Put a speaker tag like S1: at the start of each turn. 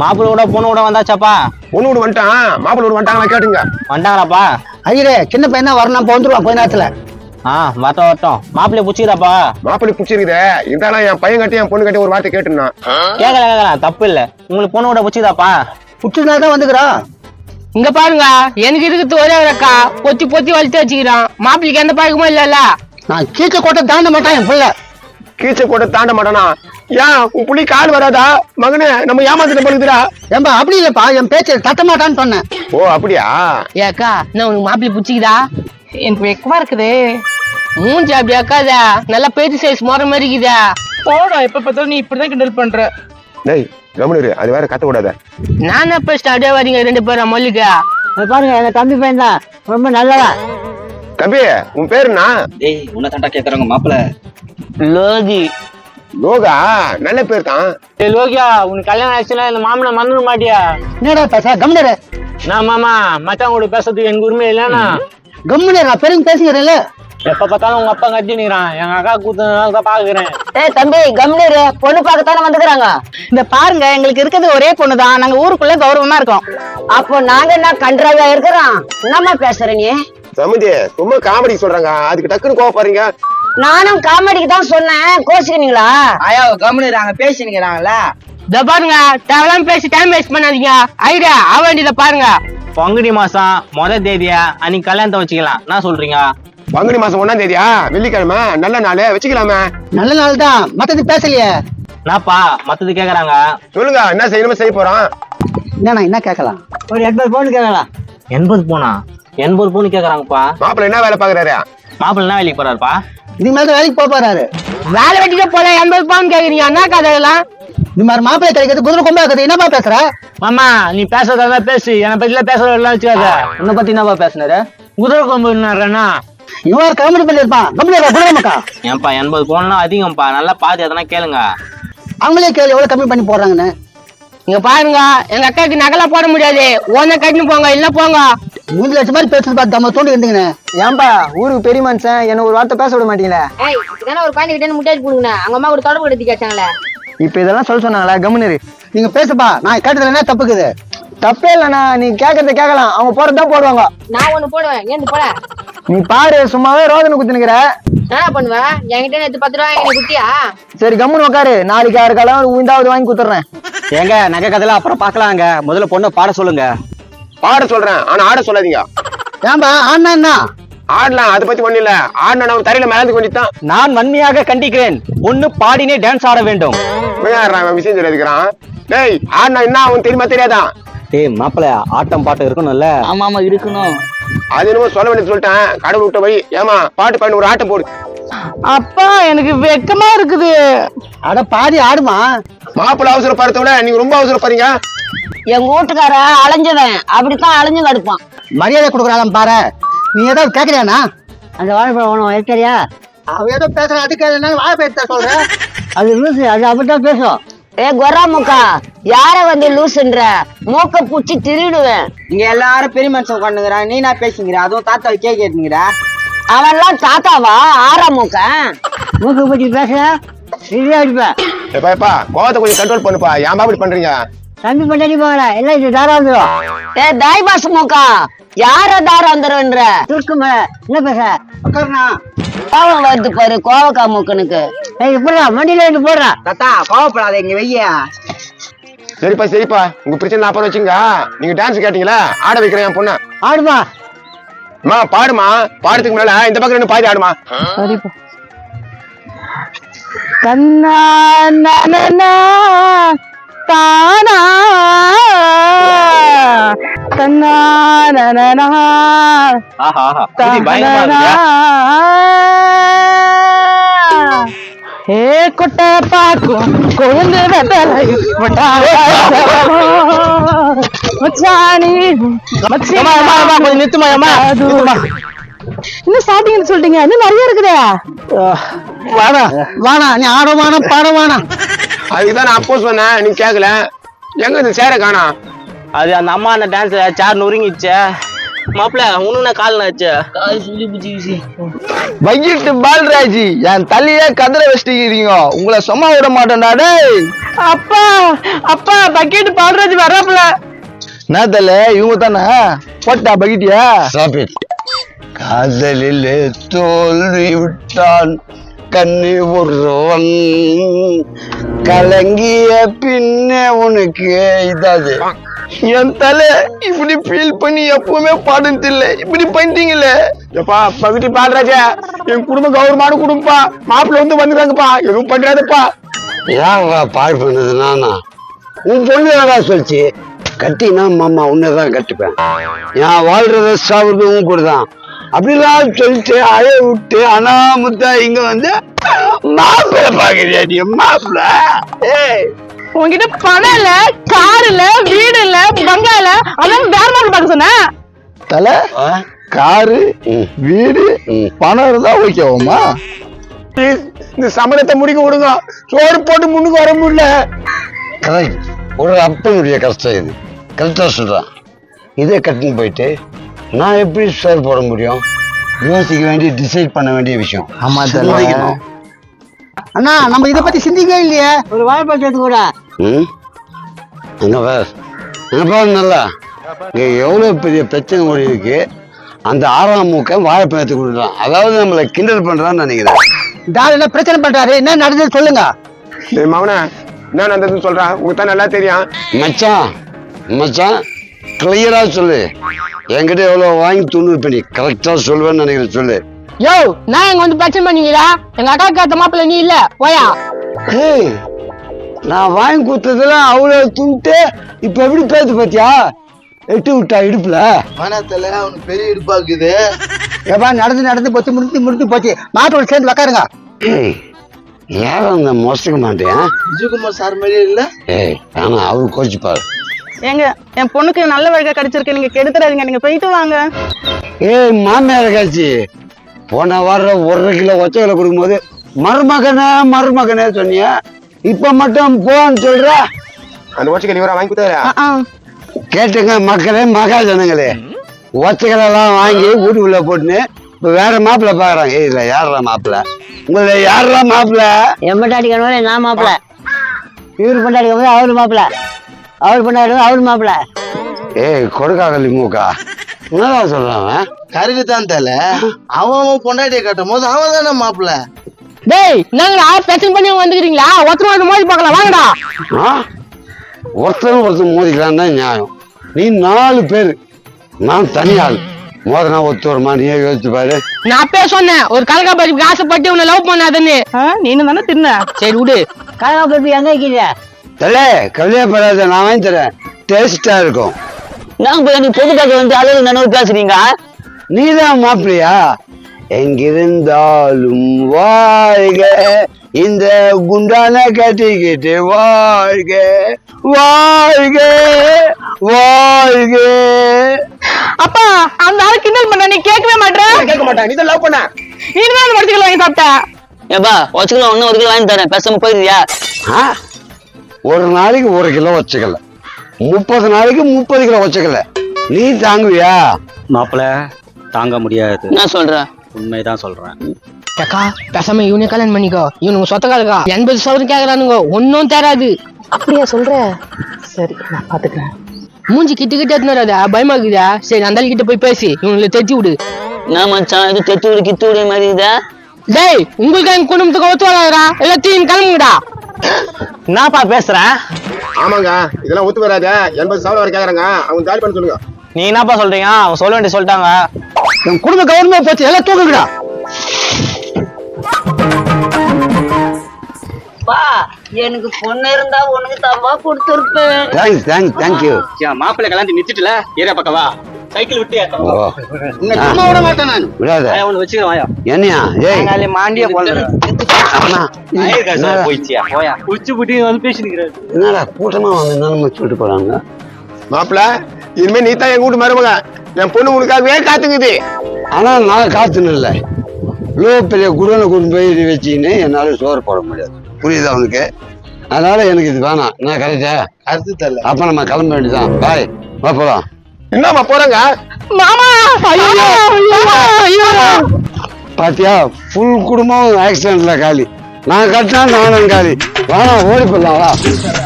S1: மாப்பிள்ளை கூட பொண்ணு கூட வந்தாச்சாப்பா?
S2: பொண்ணு கூட வந்துட்டான், மாப்பிள்ளை கூட வந்துட்டாங்களா கேட்டுங்க.
S1: வந்துட்டாங்களாப்பா?
S3: ஐயரே சின்ன பையன் தான் வரணும், இப்போ வந்துருவான் கொஞ்ச நேரத்துல.
S1: வரட்டும் வரட்டும். மாப்பிள்ளைய பிடிச்சிக்கிறாப்பா?
S2: மாப்பிள்ளை பிடிச்சிருக்குதே, இருந்தாலும் என் பையன் கட்டி என் பொண்ணு கட்டி ஒரு வார்த்தை கேட்டுனா.
S1: கேட்கல தப்பு இல்ல. உங்களுக்கு பொண்ணு கூட பிடிச்சிதாப்பா?
S3: பிடிச்சதுனால தான் வந்துக்கிறான்.
S4: இங்க பாருங்க, எனக்கு இருக்குது ஒரே ஒரு அக்கா, பொத்தி பொத்தி வளர்த்து வச்சுக்கிறான். மாப்பிள்ளைக்கு எந்த பழக்கமும் இல்லல்ல.
S3: நான் கீச்ச கோட்டை தாண்ட மாட்டான் என் பிள்ளை.
S2: கீச்ச கூட தாண்ட மாட்டானா? ஏன் உன் புள்ளி கால் வராதா? மகனே நம்ம ஏமாத்திட்டு போகுதுடா.
S3: ஏன்பா அப்படி இல்லப்பா, என் பேச்சு தட்ட மாட்டான்னு சொன்னேன்.
S2: ஓ அப்படியா?
S4: ஏ அக்கா, நான் உனக்கு மாப்பிள்ளை பிடிச்சிக்குதா? எனக்கு வெக்கமா இருக்குது. மூஞ்சி அப்படி அக்காதா, நல்லா பேச்சு சைஸ் மோற மாதிரி இருக்குதா? போடா, எப்ப பார்த்தாலும் நீ இப்படிதான் கிண்டல் பண்ற.
S2: டேய் கவனிரு, அது வேற கத்த கூடாத.
S4: நானே பேசிட்டு அப்படியே வரீங்க ரெண்டு பேரும் மல்லிகா.
S3: பாருங்க எங்க தம்பி பையன் தான், ரொம்ப நல்லதா.
S2: தம்பி உன் பேரு என்ன?
S1: டேய் உன்னை தாண்டா கேக்குறாங்க மாப்பிள்ளை.
S4: லோகி.
S2: லோகா? நல்ல பேர் தான்.
S1: லோகியா, உனக்கு கல்யாணம் ஆச்சுன்னா இந்த மாமனை மறந்துட மாட்டியா?
S3: என்னடா பேச கம்னரு?
S1: நான் மாமா மச்சான் கூட பேசுறதுக்கு எனக்கு உரிமை இல்லைன்னா
S3: கம்னரு நான் பெருங்க பேசுகிறேன்ல.
S1: எப்ப பார்த்தாலும் உங்க அப்பா கட்டி நிக்கிறான். எங்க அக்கா கூத்துனால தான் பாக்குறேன்.
S5: ஏய் தம்பி கம்னரு, பொண்ணு பார்க்கத்தானே வந்துக்கிறாங்க.
S6: இந்த பாருங்க, எங்களுக்கு இருக்கிறது ஒரே பொண்ணுதான். நாங்க ஊருக்குள்ள கௌரவமா இருக்கோம்.
S5: அப்போ நாங்க என்ன கன்றாவியா இருக்கிறோம்? என்னம்மா பேசுற நீ?
S2: சமுதி சும்மா காமெடி சொல்றாங்க, அதுக்கு டக்குன்னு கோவப்படுறீங்க.
S5: நானும் காமெடிக்கு தான் சொன்னேன், கோச்சுக்கிறீங்களா?
S6: ஐயோ கம்முனுறாங்க, பேசினுக்கிறாங்கல்ல.
S4: இத பாருங்க, தேவையில்லாம பேசி டைம் வேஸ்ட் பண்ணாதீங்க. ஐடியா ஆவேண்டியத பாருங்க.
S1: பங்குனி மாசம் முதல் தேதியா அன்னைக்கு கல்யாணத்தை வச்சுக்கலாம். என்ன சொல்றீங்க?
S2: பங்குனி மாசம் 1ஆம் தேதியா? வெள்ளிக்கிழமை, நல்ல நாள், வச்சுக்கலாமே.
S3: நல்ல நாள் தான், மத்தது பேசலையே.
S1: என்னப்பா மத்தது கேக்குறாங்க?
S2: சொல்லுங்க, என்ன செய்யணுமோ செய்ய போறோம்.
S3: என்னண்ணா என்ன கேட்கலாம்? ஒரு 80 பவுன் கேட்கலாம்.
S1: 80 பவுனா? 80 பவுன் கேக்குறாங்கப்பா.
S2: மாப்பிள்ள என்ன வேலை பாக்குறாரு?
S1: மாப்பிள்ளை என்ன வேலைக்கு போறாருப்பா?
S3: இதுக்கு மேல வேலைக்கு போறாரு.
S4: வேலை வெட்டிக்க போல 80 பவுன் கேக்குறீங்க, என்ன கதையெல்லாம்?
S3: இது மாதிரி மாப்பிள்ளை கிடைக்கிறது குதிரை கொம்பா இருக்குது. என்னப்பா பேசுற?
S1: மாமா நீ பேசுறதா பேசு, என்னை பத்தில பேசுறதெல்லாம் வச்சுக்காத.
S3: உன்னை பத்தி என்னப்பா பேசுனாரு?
S1: குதிரை கொம்பு என்னன்னா
S3: இவன் காமெடி பண்ணிருப்பான். கம்னரா குதிரை மக்கா.
S1: ஏன்பா 80 பவுன்லாம் அதிகம்ப்பா. நல்லா பாத்து எதனா கேளுங்க.
S3: அவங்களே கேள்வி எவ்வளவு கம்மி பண்ணி போடுறாங்கன்னு.
S4: இங்க பாருங்க, எங்க அக்காக்கு நகலா போட முடியாது. ஓன கட்டினு போங்க, இல்ல போங்க.
S3: 3 லட்சம் மாதிரி பேசுறது பார்த்து நம்ம தோண்டி இருந்தீங்கன்னு.
S6: ஏன்பா ஊருக்கு பெரிய மனுஷன், என்ன ஒரு வார்த்தை பேச விட மாட்டீங்களா?
S5: ஏய் இதெல்லாம் ஒரு பையன் கிட்ட முட்டாய் கொடுங்க, அவங்க அம்மா கூட தொடர்பு எடுத்து கேட்டாங்களே.
S6: இப்ப இதெல்லாம் சொல்ல சொன்னாங்களா? கம்முனரு
S3: நீங்க பேசுப்பா, நான் கேட்டதுல என்ன தப்புக்குது?
S6: தப்பே இல்லண்ணா, நீ கேட்கறத கேட்கலாம், அவங்க போறதுதான் போடுவாங்க.
S5: நான் ஒண்ணு போடுவேன், ஏன் போட?
S6: நீ பாரு, சும்மாவே ரோதனை குத்துனுக்குற.
S5: என்ன பண்ணுவேன்? என்கிட்ட நேத்து 10 ரூபாய் எனக்கு குட்டியா?
S6: சரி கம்முன்னு உட்காரு, நாளைக்கு 6 காலம் உயிந்தாவது வாங்கி குத்துறேன்.
S1: ஏங்க நகை கதையில அப்புறம் பாக்கலாங்க, முதல்ல பொண்ணை பாட சொல்லுங்க.
S2: பாட சொல்றேன், ஆனா ஆட சொல்லாதீங்க.
S3: ஏன்பா ஆனா என்ன?
S2: ஆடலாம், அதை பத்தி ஒண்ணு இல்ல. ஆடினா நம்ம தரையில மேலந்து கொஞ்சம்
S1: நான் வன்மையாக கண்டிக்கிறேன். பொண்ணு பாடினே டான்ஸ் ஆட வேண்டும்.
S2: விஷயம் தெரியாதுக்கிறான். டேய் ஆடினா என்ன அவன் தெரியுமா தெரியாதான்?
S1: டேய் மாப்பிள்ள, ஆட்டம் பாட்டம் இருக்கணும்ல?
S6: ஆமா ஆமா இருக்கணும்.
S2: அது என்னமோ சொல்ல வேண்டியது சொல்லிட்டேன், கடவுள் விட்ட போய். ஏமா பாட்டு பாடி ஒரு ஆட்டம் போடு.
S4: அப்பா எனக்கு வெக்கமா இருக்குது.
S3: அட பாதி ஆடுமா.
S2: மாப்பிள்ள அவசரப்படுறத விட நீங்க ரொம்ப அவசரப்படுறீங்க.
S5: எங்க வீட்டுக்கார அலைஞ்சவன் அப்படித்தான் அலைஞ்சு கடுப்பான்.
S3: மரியாதை கொடுக்குறாளாம் பாரு. நீ ஏதாவது கேக்குறியானா?
S5: அந்த வாழைப்பழம் ஒண்ணு வைக்கிறியா?
S3: அவ ஏதோ பேசுற, அதுக்கு என்ன வாழைப்பழத்தை சொல்ற?
S5: அது லூசு, அது அப்படித்தான் பேசும். ஏ கொரா மூக்கா, யார வந்து லூசுன்ற? மூக்க பூச்சி திருடுவேன்.
S6: இங்க எல்லாரும் பெரிய மனுஷன் உட்காந்துங்கிறான், நீ நான் பேசுங்கிற, அதுவும் தாத்தாவை கேட்கிறீங்கிற.
S5: அவன்லாம் தாத்தாவா? ஆறா மூக்க மூக்க பூச்சி பேச அடிப்பேன்.
S2: எப்பா கோவத்தை கொஞ்சம் கண்ட்ரோல் பண்ணுப்பா. ஏன் அப்படி பண்றீங்க?
S5: தம்பி பண்ணி போகல, எல்லாம் இது தாரா வந்துடும். ஏ தாய் பாசு மூக்கா, யார தாரா வந்துருன்ற? துருக்குமே என்ன பேச?
S3: உட்காருண்ணா.
S5: கோவம் வருது பாரு கோவக்கா மூக்கனுக்கு. ஏய் இப்படா மண்டியில இருந்து போடுறா.
S6: தாத்தா கோவப்படாத, இங்க வெய்யா.
S2: சரிப்பா சரிப்பா, உங்க பிரச்சனை அப்புறம் வச்சுங்க. நீங்க டான்ஸ் கேட்டீங்களா, ஆட வைக்கிறேன் என் பொண்ணு.
S3: ஆடுமா.
S2: அம்மா பாடுமா. பாடுறதுக்கு முன்னால இந்த பக்கம் ரெண்டு பாதி ஆடுமா.
S4: சரிப்பா. கண்ணா நனனா தானா கண்ணா நனனா
S1: ஆஹா ஆஹா, இது பயங்கரமா
S4: தானா.
S1: இருக்குயா.
S4: ஏ கொட்டை பாக்கும் கொழுந்து வெத்தலை மச்சானி
S1: கொஞ்சம் நிறுத்துமா அம்மா, நிறுத்துமா.
S4: இன்னும் ஸ்டார்டிங் சொல்லிட்டீங்க, இன்னும் நிறைய இருக்குதே.
S3: வாடா வாடா, நீ ஆடவானா பாடவானா?
S2: அதுக்குதான் நான் அப்போ சொன்னேன், நீ கேட்கல. எங்க இந்த சேர காணா?
S1: அது அந்த அம்மா அந்த டான்ஸ் சேர் நொறுங்கிச்சு. மாப்பிள்ள உனக்கு நான் கால் ஆச்சு.
S4: கால் சுண்டி பிடிச்சிக்கிச்சு.
S3: பைக்கிட்டு பால்ராஜி என் தலையே கதிரை வச்சுக்கிறீங்க, உங்களை சும்மா விட மாட்டேன்டா டேய்.
S4: அப்பா அப்பா பக்கெட் பால்ராஜ் வராப்ல.
S3: என்ன தல இவங்க தானே போட்டா பக்கிட்டியா?
S2: காதலில் தோல்வி விட்டான் கண்ணி ஒருவன் கலங்கிய பின்னே உனக்கு இதாது. என் தலை இப்படி ஃபீல் பண்ணி எப்பவுமே பாடுறது இல்லை, இப்படி பண்ணிட்டீங்களே. எப்பா பகுதி பாடுறாஜா, என் குடும்பம் கௌரவமான குடும்பப்பா, மாப்பிள்ள வந்து வந்துருக்காங்கப்பா, எதுவும் பண்றாதப்பா.
S7: ஏன்டா பாடு பண்ணது நானா? உன் பொண்ணு ஏடா சொல்லிச்சு கட்டினா மாமா உன்னதான் கட்டிப்பேன், நான் வாழ்றத சாப்பிடுறது உன் கூட தான் அப்படிலாம் சொல்லிட்டு அழைய விட்டு அனாமுத்தா இங்க வந்து மாப்பிள்ள பாக்குறியா நீ? மாப்பிள்ள
S4: உங்ககிட்ட பணம் இல்ல, கார் இல்ல, வீடு இல்ல, பங்களா இல்ல, அதான் வேற மாதிரி பார்க்க சொன்ன.
S3: தல காரு வீடு பணம் இருந்தா ஓகேவாமா?
S2: இந்த சமரத்தை முடிக்க விடுங்க, சோறு போட்டு முன்னுக்கு வர முடியல.
S7: கரெக்ட், ஒரு அப்பனுடைய கஷ்டம் இது, கரெக்டா சொல்றான். இதே கட்டின்னு போயிட்டு நான் எப்படி சோறு போட முடியும்? யோசிக்க வேண்டிய, டிசைட் பண்ண வேண்டிய விஷயம்.
S3: ஆமா
S7: சிந்திக்கணும்.
S3: அண்ணா நம்ம இத பத்தி சிந்திக்கவே இல்லையே.
S5: ஒரு வாழைப்பழத்து கூட
S7: அங்க பாரு நல்லா, இங்க எவ்வளவு பெரிய பிரச்சனை ஓடி இருக்கு. அந்த 6ஆம் மூக்க வாழைப்பழத்தை கொடுக்குறான், அதாவது நம்மளை கிண்டல் பண்றான்னு நினைக்கிறேன்.
S3: டால் என்ன பிரச்சனை பண்றாரு, என்ன நடந்தது சொல்லுங்க.
S2: டேய் மவனே, என்ன நடந்ததுன்னு சொல்றான், உங்களுக்கு தான் நல்லா தெரியும்.
S7: மச்சான் மச்சான் கிளியரா சொல்லு, என்கிட்ட எவ்வளவு வாங்கி துண்ணு பண்ணி கரெக்டா சொல்லுவேன்னு நினைக்கிறேன், சொல்லு.
S4: யோ நான் இங்க வந்து பிரச்சனை பண்ணீங்களா? எங்க அக்காவுக்கு ஏத்த மாப்பிள்ள நீ இல்ல, போயா.
S7: ஏய், நான் வாங்கி கொடுத்ததெல்லாம் அவ்வளவு துண்டு, இப்ப எப்படி பேசு பாத்தியா? எட்டு விட்டா இடுப்புல
S3: மனத்துல அவனுக்கு பெரிய இடுப்பாக்குது. ஏப்பா நடந்து நடந்து போச்சு, முடிஞ்சு போச்சு, மாட்டோட சேர்ந்து உக்காருங்க.
S7: ஏய், யாரும் அந்த மோசிக்க மாட்டேன்.
S3: விஜயகுமார் சார் மாதிரியே இல்ல.
S7: ஏய், ஆனா அவரு கோச்சுப்பாரு.
S8: ஏங்க என் பொண்ணுக்கு நல்ல வழிகா கிடைச்சிருக்கு, நீங்க கெடுத்துறாதீங்க, நீங்க போயிட்டு வாங்க.
S7: ஏய் மாமியார் காட்சி, போன வாரம் 1.5 கிலோ ஒச்சைகளை கொடுக்கும்போது மருமகனே சொன்னிய, இப்ப மட்டும் போன்னு சொல்ற.
S2: அந்த ஓச்சைக்கு நீ வாங்கி கொடுத்தாரா?
S7: கேட்டுங்க மக்களே, மகாஜனங்களே, ஒச்சைகளெல்லாம் வாங்கி வீட்டுக்குள்ள போட்டுன்னு இப்ப வேற மாப்பிள்ள பாக்குறாங்க. ஏய் இல்ல, யாரா மாப்பிள்ள? உங்களை யாரா மாப்பிள்ள?
S5: என் பொண்டாட்டி கணவன் நான் மாப்பிள்ள, இவரு பொண்டாட்டி கணவன் அவரு மாப்பிள்ள, அவர் பொண்டாட்டி அவரு மாப்பிள்ள.
S7: ஏய் கொடுக்காகலி மூக்கா, என்னதான் சொல்றான்?
S3: கருக்கு தான் தல, அவன் பொண்டாட்டியை கட்டும் போது அவன் தானே மாப்பிள்ள.
S4: டேய் நாங்க பிரச்சனை பண்ணி வந்துக்கிறீங்களா? ஒருத்தர் மோதி பார்க்கலாம், வாங்கடா.
S7: ஒருத்தர் மோதிக்கலாம் தான் நியாயம். நீ 4 பேர், நான் தனியாள், மோதனா ஒத்து வருமா? நீயே யோசிச்சு பாரு.
S4: நான் அப்பயே சொன்னேன், ஒரு கலக்கா பருப்புக்கு ஆசைப்பட்டு உன்னை லவ் பண்ணாதுன்னு.
S8: நீனு தானே தின்ன.
S4: சரி விடு.
S5: கலகா பருப்பு எங்க வைக்கிறீங்க?
S7: தலே கவலையப்படாத, நான் வாங்கி தரேன், டேஸ்டா இருக்கும்.
S5: நாங்க போய் நீ பொதுக்காக வந்து அளவு நினைவு பேசுறீங்க.
S7: நீதான் மாப்பிள்ளையா? எங்கிருந்தாலும் வாழ்க, இந்த குண்டான கட்டிக்கிட்டு வாழ்க வாழ்க வாழ்க.
S4: அப்பா அந்த ஆள் கிண்டல் பண்ண நீ கேட்கவே மாட்டேன்.
S2: கேட்க மாட்டான், நீ தான் லவ் பண்ண.
S4: நீ தான் அந்த மரத்துக்குள்ள வாங்கி சாப்பிட்ட.
S5: ஏப்பா வச்சுக்கலாம், ஒன்னும் 1 கிலோ வாங்கி தரேன், பேசாம போயிருக்கியா?
S7: ஒரு நாளைக்கு 1 கிலோ வச்சுக்கல, 30 நாளைக்கு 30 கிலோ வச்சுக்கல, நீ தாங்குவியா?
S1: மாப்பிள்ள தாங்க முடியாது.
S5: என்ன சொல்ற?
S1: உண்மைதான் சொல்றேன்.
S4: அக்கா பேசாம இவனே கல்யாணம் பண்ணிக்கோ, இவனுக்கு சொத்தக்காரக்கா 80 சவரம் கேக்குறானுங்க, ஒன்னும் தராது.
S8: அப்படியா சொல்ற? சரி நான் பாத்துக்கிறேன்.
S4: மூஞ்சி கிட்ட எடுத்துறாத, பயமா இருக்குதா? சரி அந்த கிட்ட போய் பேசி இவங்களை தெத்தி விடு.
S5: நான் மச்சான் இது தெத்து விடு கித்து விடு மாதிரி இதா.
S4: டேய் உங்களுக்கு எங்க குடும்பத்துக்கு ஒத்து வராதா? எல்லாத்தையும் கிளம்புங்கடா.
S1: என்னப்பா பேசுறேன்?
S2: ஆமாங்க, இதெல்லாம் ஒத்து வராத. 80 சவரம் வரை கேக்குறாங்க, அவங்க காலி பண்ண சொல்லுங்க.
S1: நீ என்னப்பா சொல்றீங்க? அவங்க சொல்ல வேண்டிய சொல்லிட்டாங்க.
S3: என் குடும்ப கவர்மெண்ட் போச்சு, எல்லாம் தூக்குங்கடா.
S5: எனக்கு பொண்ணு இருந்தா உனக்கு தப்பா கொடுத்துருப்பேன்.
S7: தேங்க்யூ.
S1: மாப்பிள்ளை கல்யாணத்தை நிறுத்திட்டுல, ஏரியா பக்கவா சைக்கிள் விட்டு
S3: சும்மா விட மாட்டேன் நான்.
S7: விடாத.
S1: ஒண்ணு வச்சுக்கிறேன். வாயா
S7: என்னையா? ஏய்
S1: மாண்டியா போடுறேன்.
S7: என்னடா
S1: போயிடுச்சியா? போயா குச்சி புட்டி வந்து பேசிக்கிறாரு.
S7: என்னடா கூட்டமா வந்து நிலைமை சொல்லிட்டு போறாங்க.
S2: மாப்பிள்ள, இனிமே நீ தான் எங்க வீட்டு மருமக, என் பொண்ணு உனக்காகவே காத்துக்குது.
S7: ஆனா நான் காத்துன்னு இல்லை, இவ்வளோ பெரிய குடோனை கொண்டு போய் வச்சுக்கின்னு என்னால சோறு போட முடியாது, புரியுதா அவனுக்கு? அதனால எனக்கு இது வேணாம். நான் கரெக்டா?
S3: அடுத்து தரல.
S7: அப்ப நம்ம கிளம்ப வேண்டியதான். பாய், வா போலாம்.
S2: என்னம்மா போறாங்க
S4: மாமா ஐயோ
S7: பாத்தியா ஃபுல் குடும்பம் ஆக்சிடென்ட்ல காலி. நான் கட்டினா நானும் காலி. வாடா ஓடி போடலாம் வா.